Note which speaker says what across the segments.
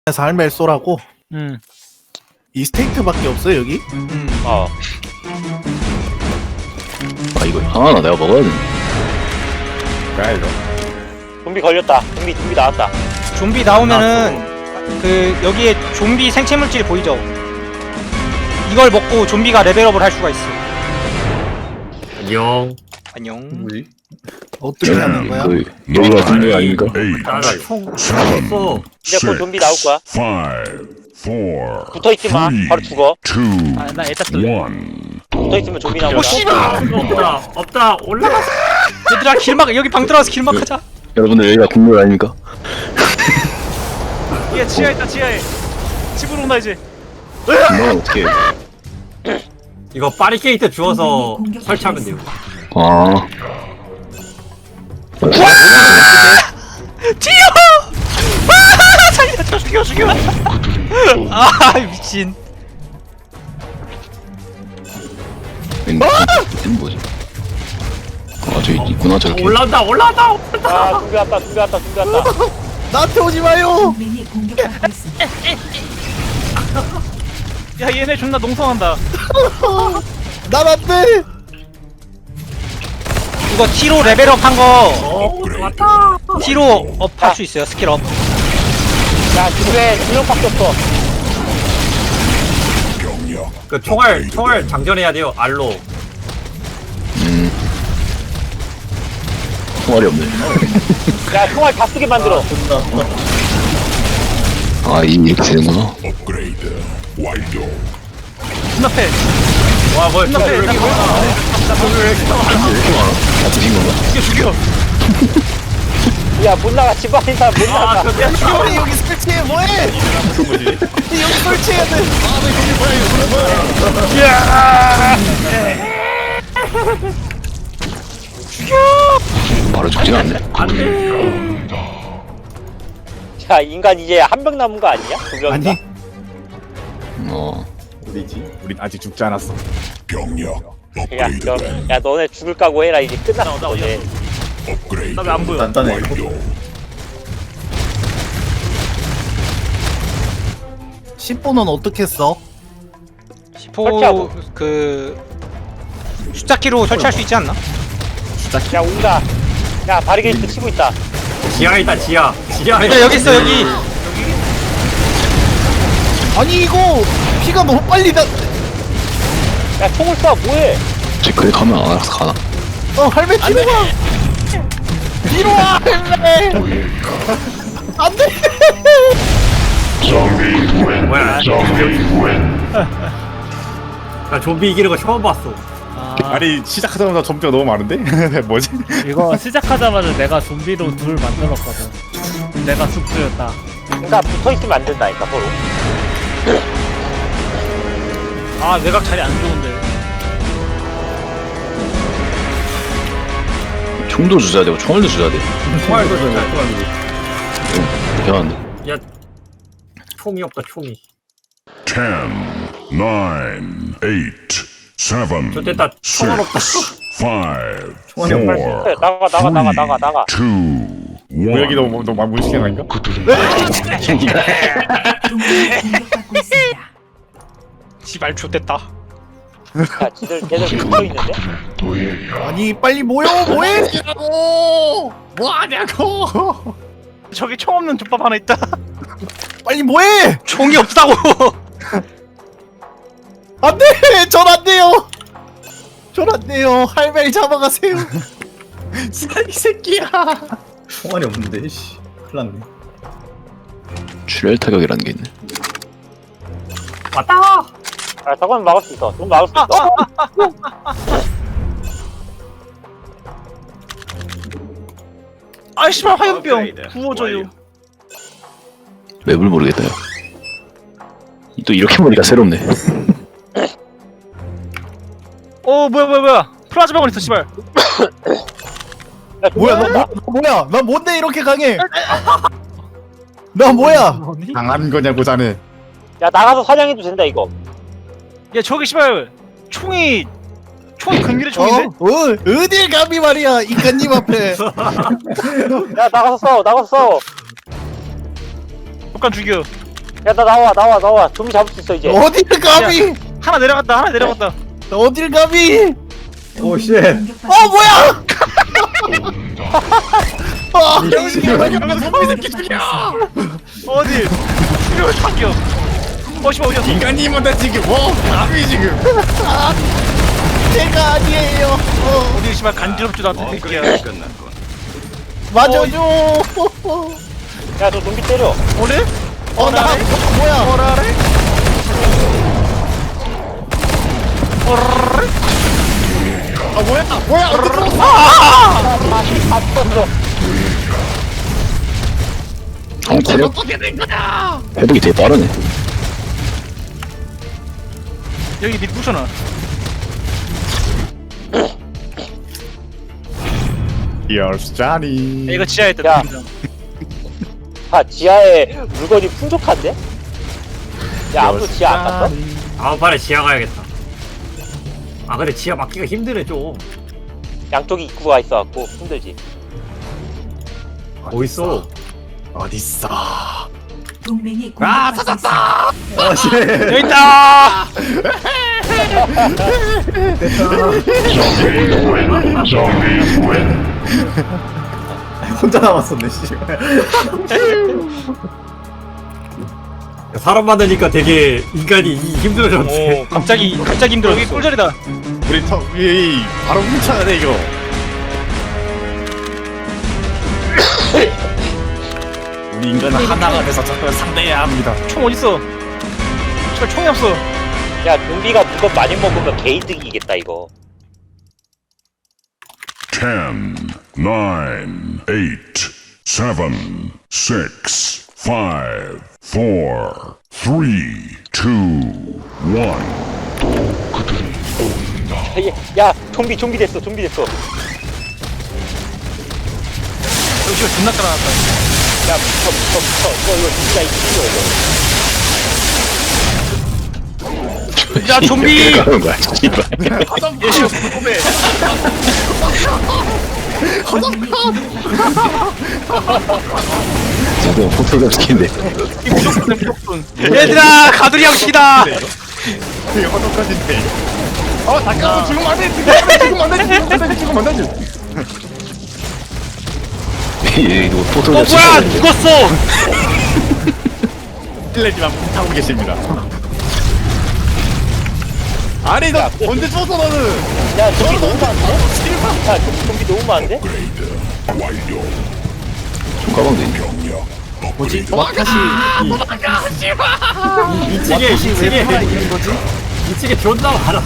Speaker 1: 삶의 쏘라고 이 스테이크밖에 없어요 여기?
Speaker 2: 어.
Speaker 3: 아 이거 하나 내가 먹어야 돼.
Speaker 4: 뭐야 이거?
Speaker 2: 좀비 걸렸다. 좀비 나왔다.
Speaker 5: 좀비 나오면은 그 여기에 좀비 생체 물질 보이죠? 이걸 먹고 좀비가 레벨업을 할 수가 있어.
Speaker 4: 안녕.
Speaker 5: 안녕.
Speaker 4: 뭐지?
Speaker 1: 어떻게 하는 거야?
Speaker 3: 그 여기가 중요 아닙니까?
Speaker 4: 나총 쐈어.
Speaker 2: 이제 곧 좀비 나올 거야.
Speaker 6: 5, 4,
Speaker 2: 붙어 있지 마. 바로 죽어.
Speaker 6: 2,
Speaker 5: 아, 나 애따
Speaker 6: 1.
Speaker 2: 붙어 있으면 좀비 나올 거야.
Speaker 4: 없다. 올라가.
Speaker 5: 얘들아 길막 여기 방 들어와서 길막하자.
Speaker 3: 여러분들 여기가 국물 아닙니까?
Speaker 5: 얘 지하에 있다 지하에. 집으로 온다 이제.
Speaker 3: 국물은 어떻게 해?
Speaker 4: 이거 파리케이트 주워서 설치하면 돼요.
Speaker 3: 아
Speaker 5: 튀어! 아 살려줘 죽여. 아 미친.
Speaker 3: 이건 뭐지? 아 저기 있구나 저렇게.
Speaker 4: 올라온다.
Speaker 2: 아, 좀비 왔다.
Speaker 1: 나한테 오지 마요!
Speaker 7: 동맹이 공격받고 있습니다.
Speaker 5: 야 얘네 존나 농성한다.
Speaker 1: 난 안 돼!
Speaker 5: 이거 T로 레벨업 한 거
Speaker 4: 왔다.
Speaker 5: T로 업 할 수 있어요 스킬 업.
Speaker 2: 야, 집에 2명밖에 없어.
Speaker 4: 그 총알 장전해야 돼요. 알로.
Speaker 3: 총알이 없네.
Speaker 2: 야, 총알 다 쓰게 만들어.
Speaker 3: 아 이렇게 되는구나.
Speaker 6: 업그레이드 완료.
Speaker 5: 눈앞에.
Speaker 4: 와 뭐야?
Speaker 5: 눈앞에.
Speaker 4: 왜 이렇게 많아?
Speaker 3: 왜 이렇게 많아? 다 드신 건가?
Speaker 5: 죽여.
Speaker 2: 야, 못 나가. 집 안에 사람 못 나가.
Speaker 1: 야 죽여! 여기 설치해 뭐해! 여기 설치해야 돼!
Speaker 3: 바로 죽진 않네.
Speaker 2: 야, 인간 이제 한 명 남은 거 아니야? 두 명인가?
Speaker 1: 아니
Speaker 3: 어
Speaker 4: 우린 아직 죽지 않았어.
Speaker 6: 병력
Speaker 2: 야, 야, 너네 죽을 각오 해라. 이제 끝났어. 이제.
Speaker 6: 업그레이드
Speaker 4: 나왜안 보여?
Speaker 6: 완료.
Speaker 1: 10번은 어떻게 써?
Speaker 2: 설치하고.
Speaker 5: 그 숫자키로 설치할 수 있지 않나?
Speaker 2: 야, 온다. 야, 바리게이트 치고 있다.
Speaker 4: 지하에 있다. 지하에.
Speaker 5: 야 여기 있어 여기.
Speaker 1: 아니 이거 피가 너무 빨리 나...
Speaker 2: 야, 총을 쏴. 뭐해?
Speaker 3: 쟤 그래 가면 안 알아서 가나?
Speaker 1: 할매 뒤로 와! 뒤로 와 할매! 안돼!
Speaker 4: 뭐야? 나 좀비 이기는 거 처음 봤어.
Speaker 8: 아니 시작하자마자 점수가 너무 많은데? 뭐지?
Speaker 9: 이거 시작하자마자 내가 좀비로 둘 만들었거든. 내가 숙주였다.
Speaker 2: 그러니까 붙어 있으면 안 된다니까, 서로.
Speaker 5: 아 외곽 자리 안 좋은데.
Speaker 3: 총도 주셔야 되고 총알도 주셔야 돼.
Speaker 4: 총알도 진짜.
Speaker 3: 대단한데.
Speaker 4: 야, 총이 없다. 총이.
Speaker 6: 10, 9, 8, 7,
Speaker 4: 좋됐다. 총알 없다.
Speaker 6: 5, 4,
Speaker 2: 나가.
Speaker 6: 2,
Speaker 8: 모여기
Speaker 6: 1.
Speaker 8: 너무 무식한 아닌가?
Speaker 7: 동맹이 공격받고 있습니다.
Speaker 5: 지발 좆됐다.
Speaker 2: 야, 걔들 붙어 있는데?
Speaker 1: 아니 빨리 모여 뭐해!
Speaker 8: 뭐하냐고!
Speaker 5: 저기 총 없는 족밥 하나 있다.
Speaker 1: 빨리 뭐해!
Speaker 5: 총이 없다고.
Speaker 1: 안돼! 전 안돼요! 전 안돼요! 할매를 잡아가세요!
Speaker 8: 이 새끼야!
Speaker 10: 총알이 없는데 씨 큰일 났네.
Speaker 3: 출혈 타격이라는 게 있네.
Speaker 4: 왔다.
Speaker 2: 아, 저건 막을 수 있어. 좀 막을 수 있어.
Speaker 5: 아 씨발 화염병 구워줘요.
Speaker 3: 맵을 모르겠다. 또 이렇게 보니까 새롭네.
Speaker 5: 뭐야 플라즈마건 있어 씨발.
Speaker 2: 야,
Speaker 1: 뭐야 너 뭐야? 나 뭔데 이렇게 강해? 나 뭐야?
Speaker 8: 당한 거냐고 자네.
Speaker 2: 야, 나가서 사냥해도 된다, 이거.
Speaker 5: 야 저기 씨발 총이 근밀의 총인데?
Speaker 1: 어딜 감히 말이야 인간님 앞에.
Speaker 2: 야, 나가서 싸워.
Speaker 5: 잠깐 죽여.
Speaker 2: 야 나 나와 좀비 잡을 수 있어 이제.
Speaker 1: 어딜 감히?
Speaker 5: 하나 내려갔다.
Speaker 1: 어딜 감히?
Speaker 10: 오 쉣.
Speaker 1: 어 뭐야? 아,
Speaker 5: 어디? 이거 당겨. 어디야?
Speaker 8: 인간님한테 지금 감히 지금
Speaker 1: 제가 아니에요.
Speaker 5: 어디 씨발 간지럽지도 않던 새끼야.
Speaker 1: 맞아줘.
Speaker 2: 야 너 좀비 때려.
Speaker 5: 오늘?
Speaker 1: 나 뭐야?
Speaker 5: 뭐라래?
Speaker 8: 아 뭐야 어디 들어왔어?
Speaker 3: 체력 회복이 되게 빠르네.
Speaker 5: 여기 밑 부셔놔.
Speaker 8: 열자니.
Speaker 5: 이거 지하에 있다.
Speaker 2: 야. 아 지하에 물건이 풍족한데? 야 아무도 지하 안 갔어?
Speaker 4: 아 빨리 지하 가야겠다. 아 근데 지하 막기가 힘드네 좀.
Speaker 2: 양쪽에 입구가 있어갖고 힘들지.
Speaker 4: 어딨어?
Speaker 8: 어딨어?
Speaker 7: 동맹이 공격받고 있습니다.
Speaker 10: 아 쉣.
Speaker 5: 여기 있다.
Speaker 10: 혼자 남았었네 씨.
Speaker 4: 사람 만나니까 되게 인간이 힘들어졌네.
Speaker 5: 갑자기 힘들어. 여기 꿀자리다.
Speaker 8: 우리 우리 바로 훔쳐야 돼 이거. 우리 인간은 하나가 돼서 적을 상대해야 합니다.
Speaker 5: 총 어딨어? 씨발 총이 없어.
Speaker 2: 야 좀비가 물건 많이 먹으면 개이득이겠다 이거.
Speaker 6: 10, 9, 8, 7, 6, 5, 4, 3, 2, 1.
Speaker 2: 야 좀비 됐어.
Speaker 5: 여기 씨발 존나 깔아놨다.
Speaker 2: 야 붙어. 이거 좀비가 이기죠 이거.
Speaker 5: 야 좀비.
Speaker 3: 가는 거야, 씨발. 저도 포토 시키는데.
Speaker 5: 얘들아 가두리 형식이다.
Speaker 8: 되게 허덕하신데. 잠깐만 지금 안 돼. 지금 안 돼.
Speaker 3: 이거 포토
Speaker 5: 뭐야 죽었어.
Speaker 8: 실례지만 하고 계십니다. 아니 너 언제 줬어 너는?
Speaker 2: 야 좀비 너무 많은데? 야 좀비 너무 많은데?
Speaker 3: 가방도 있네.
Speaker 1: 뭐지? 와카시.
Speaker 4: 2층에 존나 많아.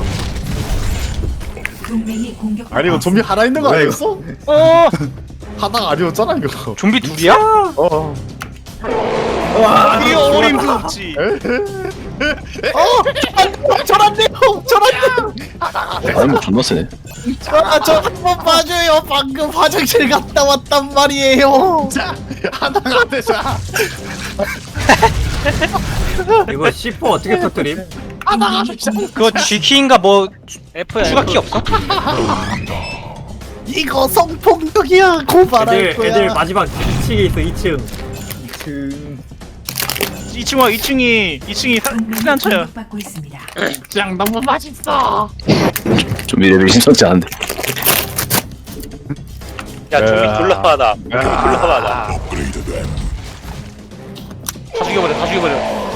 Speaker 7: 동맹이 공격받고
Speaker 8: 아니 이거 좀비 하나 있는 거 아니었어?
Speaker 5: 어.
Speaker 8: 하나가 아니었잖아 이거.
Speaker 5: 좀비 둘이야?
Speaker 8: 어.
Speaker 5: 이게 어림도 없지.
Speaker 1: 저란데요.
Speaker 3: 아니, 존나 세네.
Speaker 1: 저 한 번 봐줘요. 방금 화장실 갔다 왔단 말이에요.
Speaker 8: 자 하나가 되자.
Speaker 4: 이거 C4 어떻게 터뜨림?
Speaker 5: 그거 G키인가 뭐 F야. 추가키 없어?
Speaker 1: 이거 성폭력이야. 고발할 거야.
Speaker 4: 애들 마지막 2층에 있어 2층.
Speaker 5: 2층이 피난처야.
Speaker 7: 공격받고 있습니다.
Speaker 8: 짱 너무 맛있어.
Speaker 3: 좀 레벨이 심상치 않은데.
Speaker 2: 야 좀비 졸라 많아.
Speaker 5: 다 죽여버려.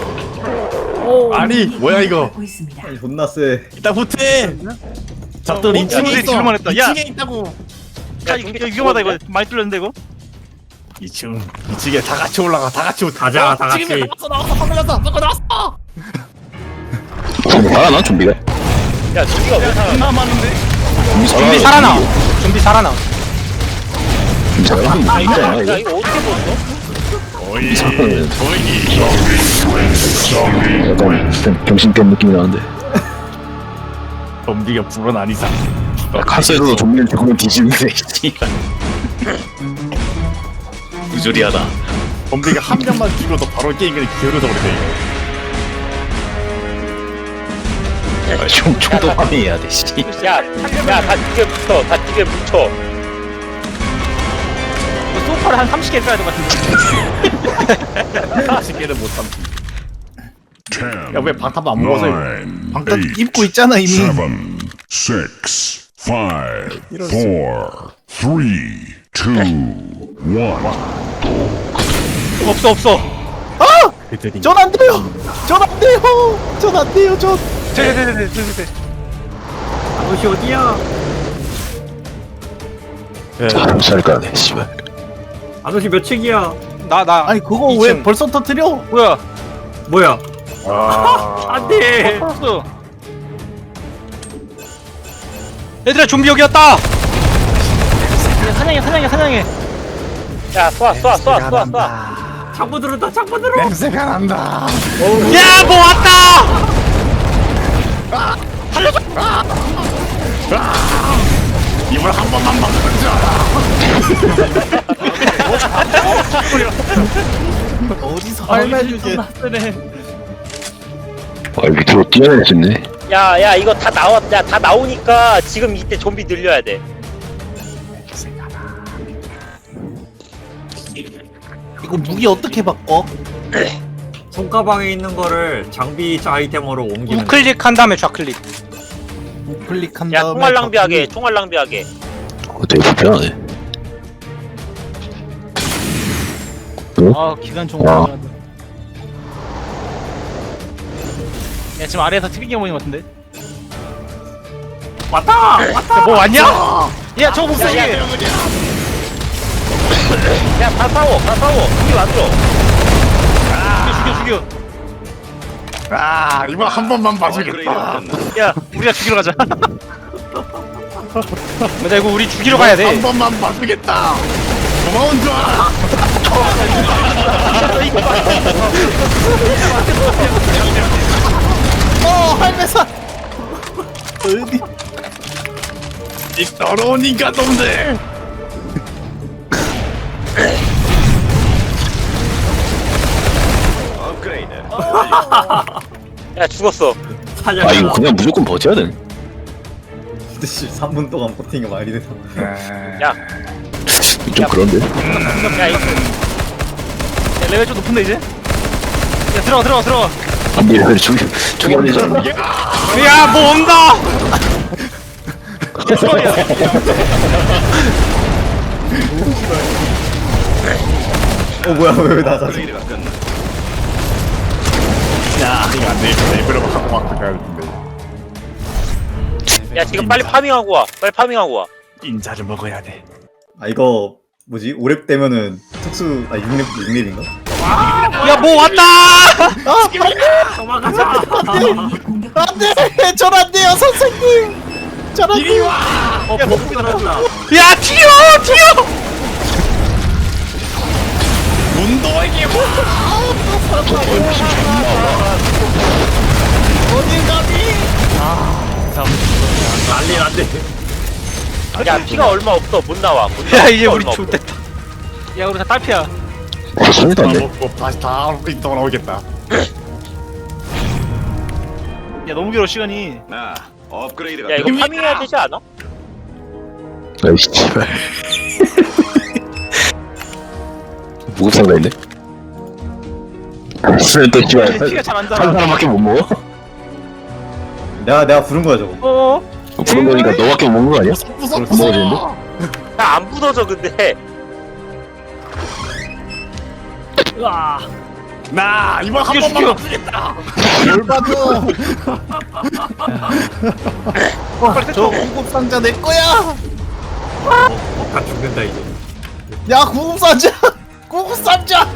Speaker 8: 아니 뭐야 이거?
Speaker 7: 공격받고 있습니다.
Speaker 10: 아니 존나 세.
Speaker 8: 이따 후퇴. 잡돌 2층에
Speaker 5: 친구들이
Speaker 8: 있어.
Speaker 5: 질문했다. 야.
Speaker 8: 2층에 있다고.
Speaker 5: 야 이거 위험하다 이거. 많이 뚫렸는데 이거.
Speaker 8: 2층에 다 같이 올라가. 다 같이
Speaker 4: 가자, 다 같이.
Speaker 8: 나왔어. 방금 나왔어.
Speaker 3: 좀비 살아나, 좀비가?
Speaker 2: 야 좀비가 왜 살아?
Speaker 5: 존나 많은데.
Speaker 3: 좀비 살아나.
Speaker 5: 좀비 살아나.
Speaker 3: 좀비 살아나. 이거
Speaker 2: 야
Speaker 3: 이거.
Speaker 2: 이거 어떻게 보였어?
Speaker 8: 오이.
Speaker 3: 약간 병신 깬 느낌이 나는데.
Speaker 8: 좀비가 불어난 이상.
Speaker 3: 카스에서도 좀비를 죽으면 뒤집는데, 씨발. 부조리하다.
Speaker 8: 좀비가 한 명만 죽여도 바로 게임 그냥 기울어져 버리네.
Speaker 3: 총도 파밍해야 돼, 씨.
Speaker 2: 야다 뒤에 뭉쳐.
Speaker 5: 소파를 한 30개 써야 될 것 같은데.
Speaker 8: 40개를 못 참지.
Speaker 6: 10,
Speaker 8: 야, 왜 방탄 안 먹어서 이거?
Speaker 6: 9,
Speaker 1: 방탄
Speaker 6: 8,
Speaker 1: 입고 있잖아 이미.
Speaker 6: 7, 6, 5, 4, 3, 2, 1.
Speaker 5: 없어.
Speaker 1: 전 안 돼요. 전 안 돼요. 전 안 돼요. 전.
Speaker 5: 네.
Speaker 4: 아저씨 어디야?
Speaker 3: 살 까네 씨발.
Speaker 4: 아저씨 몇 층이야?
Speaker 5: 나
Speaker 1: 아니 그거 왜
Speaker 5: 2층.
Speaker 1: 벌써 터뜨려?
Speaker 5: 뭐야?
Speaker 4: 뭐야?
Speaker 8: 아,
Speaker 4: 안돼.
Speaker 5: 없어. 얘들아 좀비 여기 왔다. 야, 사냥해.
Speaker 2: 야 쏴.
Speaker 4: 창문 들었다. 창문 들어.
Speaker 8: 냄새가 난다.
Speaker 5: 야, 뭐 왔다.
Speaker 8: 이걸 한 번만 막는 줄 알아.
Speaker 1: 어디서 할매주지?
Speaker 3: 아 밑으로 뛰어낼 수 있네.
Speaker 2: 야 이거 다 나오니까 지금 이때 좀비 늘려야 돼.
Speaker 1: 이거 무기 어떻게 바꿔?
Speaker 4: 손가방에 있는 거를 장비 아이템으로 옮기면 돼.
Speaker 5: 우클릭한 다음에 좌클릭.
Speaker 1: 클릭한
Speaker 2: 야
Speaker 1: 다음에
Speaker 2: 총알 낭비하게.
Speaker 3: 되게 불편하네.
Speaker 5: 아, 기관총.
Speaker 3: 와.
Speaker 5: 야, 지금 아래에서 튀긴 보이는 것 같은데.
Speaker 4: 왔다.
Speaker 5: 뭐 왔냐? 야, 저거 못 쓰게.
Speaker 2: 야다 싸워. 우리 만들어.
Speaker 5: 죽여.
Speaker 8: 아, 이걸 한 번만 봐주겠다.
Speaker 5: 야, 우리가 죽이러 가자. 맞아, 이거 우리 죽이러 가야
Speaker 8: 한
Speaker 5: 돼.
Speaker 8: 번만 봐주겠다. 고마운 줄 알아.
Speaker 1: 할매사. 어디?
Speaker 8: 이 더러운 인간놈들.
Speaker 2: 야 죽었어.
Speaker 3: 아 이거 그냥 무조건 버텨야 돼.
Speaker 10: 근데 씨 3분 동안 버티는 게 말이 되나?
Speaker 2: 야
Speaker 3: 좀 그런데.
Speaker 2: 야 이거
Speaker 5: 레벨 좀 높은데 이제? 야, 들어가.
Speaker 3: 안돼 이거 저기 안 되잖아.
Speaker 5: 야, 뭐 온다. 야, 수박이야.
Speaker 10: 뭐야 왜 나가지?
Speaker 8: 야, 이거 안 되겠다. 이거를 하고 막 가야 되는데.
Speaker 2: 야 지금 빨리 파밍하고 와.
Speaker 8: 인자를 먹어야 돼.
Speaker 10: 아 이거 뭐지? 5렙 되면은 특수 6렙인가?
Speaker 5: 야, 뭐 왔다.
Speaker 4: 도망가자.
Speaker 7: 동맹이 공격받고
Speaker 1: 안돼. 전 안 돼요 선생님. 전 안 돼요.
Speaker 4: 버프 떨어졌다.
Speaker 5: 야, 튀어.
Speaker 8: 문도에게 뭐?
Speaker 1: 어디 가니?
Speaker 4: 난리 났네.
Speaker 2: 야 피가 얼마 없어. 못 나와.
Speaker 5: 야, 이제 우리
Speaker 2: 얼마 없어.
Speaker 5: 좋됐다. 야, 우리 다 딸피야.
Speaker 3: 소리도 안 돼.
Speaker 8: 먹고 다시 다 돌아오겠다.
Speaker 5: 야, 너무 길어 시간이.
Speaker 2: 야 이거 파밍해야 되지 않아?
Speaker 3: 아이씨 씨발. 무급상가 있네. 술은 또 씨발
Speaker 5: 피가 잘 안
Speaker 3: 한
Speaker 5: 달아.
Speaker 3: 사람밖에 못 먹어?
Speaker 10: 내가 부른 거야 저거.
Speaker 3: 부른 거니까 너밖에 못 먹는 거 아니야?
Speaker 8: 무섭
Speaker 3: 안 먹어지는데?
Speaker 2: 나 안 부서져 근데.
Speaker 8: 나 이번 한
Speaker 5: 죽여.
Speaker 8: 번만 봐주겠다.
Speaker 1: 뭘 봐줘. 저 구급 상자 내 거야.
Speaker 4: 다 죽는다 이제.
Speaker 1: 야 구급 상자. 구급 상자.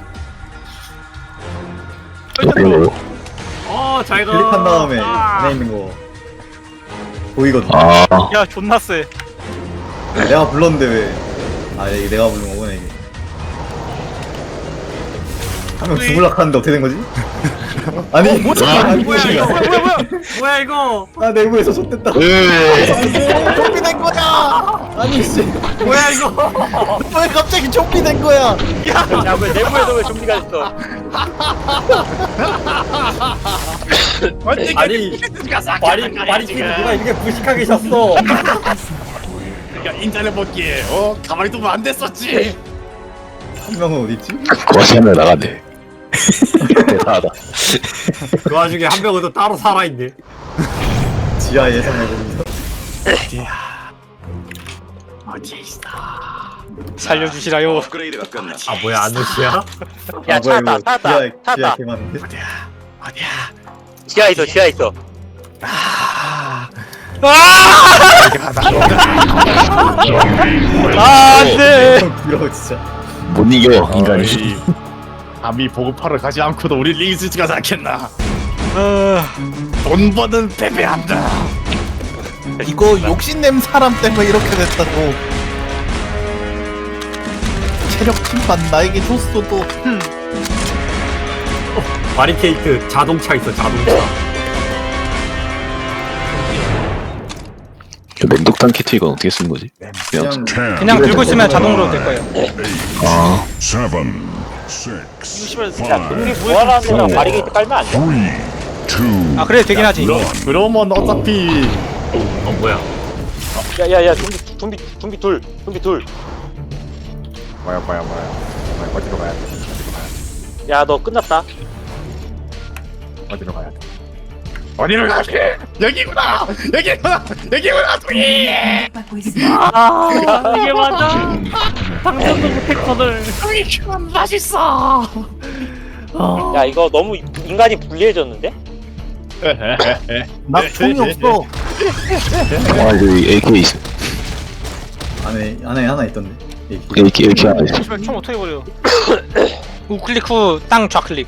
Speaker 4: 잘 가.
Speaker 10: 클릭한 다음에 안에 있는 거 보이거든.
Speaker 3: 아
Speaker 5: 야, 존나 세.
Speaker 10: 내가 불렀는데 왜? 아 이게 내가 부른 거구나 이게. 한 명 죽을라 하는데 어떻게 된 거지? 아니
Speaker 4: 뭐야 이거?
Speaker 10: 아 내부에서 좆됐다.
Speaker 1: 좀비 된 거야. 아니 씨.
Speaker 4: 뭐야 이거?
Speaker 1: 왜 갑자기 좀비 된 거야?
Speaker 2: 야왜 내부에도 왜 좀비가 있어?
Speaker 4: 아니 말이 지금 누가 이렇게 무식하게 셨어?
Speaker 8: 야 인자를 먹기에 가만히 두면 안 됐었지.
Speaker 10: 한 명은 어디 있지?
Speaker 3: 고아시 한명 나갔네. 대단하다.
Speaker 4: 그 와중에 한 명은 또 따로 살아있네.
Speaker 10: 지하 예상해봅니다.
Speaker 5: 살려주시라요.
Speaker 4: 아 뭐야 아누시야?
Speaker 2: 야
Speaker 10: 아, 뭐야,
Speaker 2: 찾았다
Speaker 10: 이거
Speaker 2: 찾았다
Speaker 10: 지하
Speaker 2: 찾았다.
Speaker 10: 개 많은데?
Speaker 2: 지하 있어 지하 있어.
Speaker 5: 안돼.
Speaker 10: 형 부러워 진짜.
Speaker 3: 못 이겨 인간이.
Speaker 8: 감히 보급하러 가지 않고도 우리 리스트가 낫겠나. 돈 버는 패배한다.
Speaker 1: 이거 욕심낸 사람 때문에 이렇게 됐다고. 체력 침반 나에게 줬어도
Speaker 4: 바리케이트 자동차 있어 자동차.
Speaker 3: 맹독탄 키트 이건 어떻게 쓰는 거지?
Speaker 10: 그냥
Speaker 6: 10,
Speaker 5: 그냥 들고 있으면 자동으로 될 거예요.
Speaker 3: 아
Speaker 6: 7, 6, 5,
Speaker 2: 야 우리 부활하는 데랑 바리게이트 깔면 안 돼?
Speaker 6: 3, 2,
Speaker 5: 아 그래 되긴 하지.
Speaker 8: 그러면 어차피
Speaker 4: 어 뭐야?
Speaker 2: 야야야 좀비 둘.
Speaker 8: 뭐야 어디로 가야 돼?
Speaker 2: 야 너 끝났다.
Speaker 8: 어디로 가야 돼? 어디로 가야 돼? 여기구나 동이.
Speaker 7: 공격받고 있습니다.
Speaker 9: 아 이게 맞아. 당장도 못했거든.
Speaker 2: 야 이거 너무 인간이 불리해졌는데?
Speaker 1: 나 총이 없어.
Speaker 3: 아 여기 AK 있어.
Speaker 10: 안에 하나 있던데.
Speaker 3: AK 하나 있어.
Speaker 5: 씨발 총 어떻게 버려? 우클릭 후 땅 좌클릭.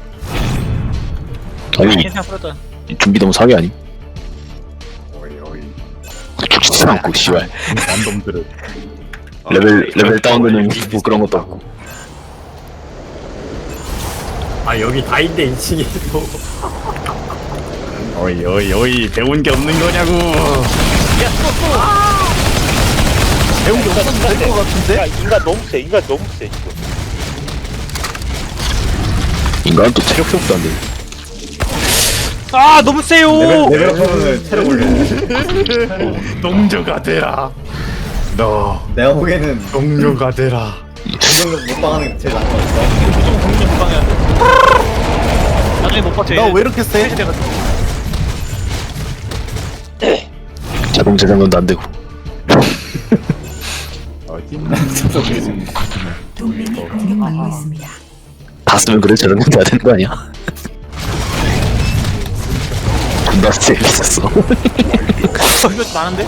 Speaker 3: 아니
Speaker 5: 그냥 뿌렸다.
Speaker 3: 준비 너무 사기 아니?
Speaker 8: 어이
Speaker 3: 죽지도 않고 씨발.
Speaker 8: 남놈들은
Speaker 3: 레벨 다운되는 뭐 그런 것도 없고.
Speaker 4: 아 여기 다 있네 2층에 또.
Speaker 8: 어이 배운 게 없는 거냐고.
Speaker 1: 배운 게 없어도 될 것 같은데?
Speaker 2: 야 인간 너무 세 지금.
Speaker 3: 인간은 또 체력 회복도 안 돼.
Speaker 5: 아 너무 세요.
Speaker 10: 레벨 업하면은 체력 올려.
Speaker 8: 동료가 되라. 너
Speaker 10: 내가 보기에는
Speaker 8: 동료가 되라.
Speaker 10: 공격력 못방하는 게 제일 나은 것 같아.
Speaker 5: 무조건 공격 방해야 돼. 나중에 못 버텨.
Speaker 1: 나 왜 이렇게 세?
Speaker 3: 자동 재장전도 안 되고.
Speaker 7: 동맹이 공격받고 있습니다.
Speaker 3: 다 쓰면 그래 재장전도 안 되는 거 아니야? 존나 재밌었어.
Speaker 5: 이거 많은데?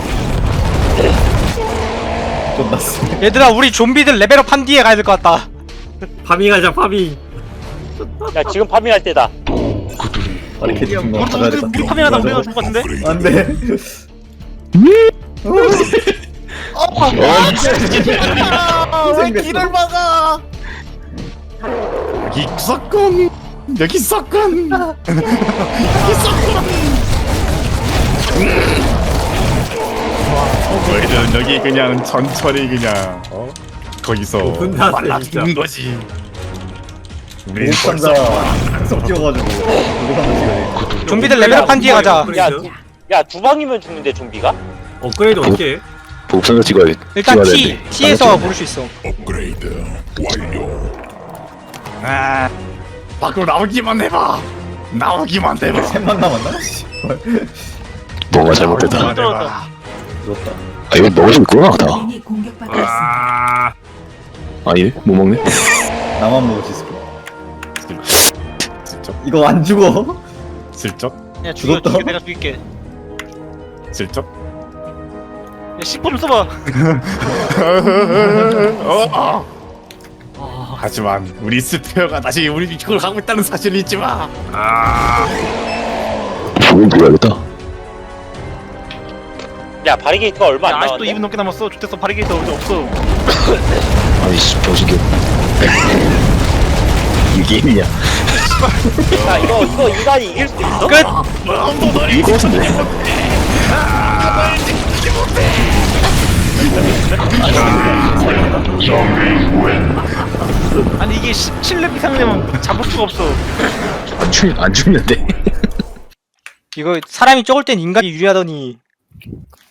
Speaker 10: 존나 세.
Speaker 5: 얘들아 우리 좀비들 레벨업 한 뒤에 가야 될 것 같다.
Speaker 4: 파밍하자 파밍.
Speaker 2: 야 지금 파밍할 때다.
Speaker 10: 바리케이트 준거 받아야 겠다.
Speaker 5: 우리 파밍하다 우리가 죽을 것 같은데?
Speaker 10: 안돼.
Speaker 1: 왜 길을 막아?
Speaker 8: 여기 있었군. 너희들은 여기 그냥 천천히 그냥 거기서
Speaker 4: 혼자
Speaker 8: 말라
Speaker 4: 진짜.
Speaker 8: 죽는 거지. 우리
Speaker 10: 보급상자 계속 뛰어가지고 보급상자 찍어야
Speaker 5: 좀비들 레벨업 한 뒤에 가자.
Speaker 2: 야두 방이면 죽는데 좀비가?
Speaker 4: 업그레이드 어떻게 해?
Speaker 3: 보급상자 찍어야
Speaker 5: 일단
Speaker 3: 찍어야
Speaker 5: T
Speaker 3: 되는데.
Speaker 5: T에서 부를 수 있어.
Speaker 6: 업그레이드 완료.
Speaker 8: 아 밖으로 나오기만 해봐.
Speaker 10: 돼. 셋만 남았나?
Speaker 3: 뭐가 잘못됐다.
Speaker 8: 해봐.
Speaker 10: 부럽다.
Speaker 3: 아 이거 먹을 수 있구나 다.
Speaker 7: 동맹이 공격받고 있습니다.
Speaker 4: 아
Speaker 3: 아니 못 먹네.
Speaker 10: 나만 먹을 수 있을 거야.
Speaker 8: 슬쩍
Speaker 10: 이거 안 죽어?
Speaker 8: 슬쩍
Speaker 5: 야 죽여
Speaker 10: 죽었다.
Speaker 5: 죽여 내가 죽일게.
Speaker 8: 슬쩍.
Speaker 5: 야 10분 좀 써봐.
Speaker 8: 하지만 우리 스페어가 다시 우리 이쪽으로 가고 있다는 사실을 잊지 마.
Speaker 3: 죽은 들어야겠다.
Speaker 2: 야 바리게이트가 얼마 안
Speaker 5: 아직도
Speaker 2: 남았네.
Speaker 5: 2분 넘게 남았어. 좋댔어 바리게이트 어디 없어.
Speaker 3: 아니 씨 병신개. 이게 게임이냐?
Speaker 2: 야 이거 인간이 이길 수 있어?
Speaker 5: 끝.
Speaker 3: 이거 같은데.
Speaker 5: 아니 이게 17렙 이상 되면 잡을 수가 없어.
Speaker 3: 안 죽는데.
Speaker 5: 이거 사람이 적을 땐 인간이 유리하더니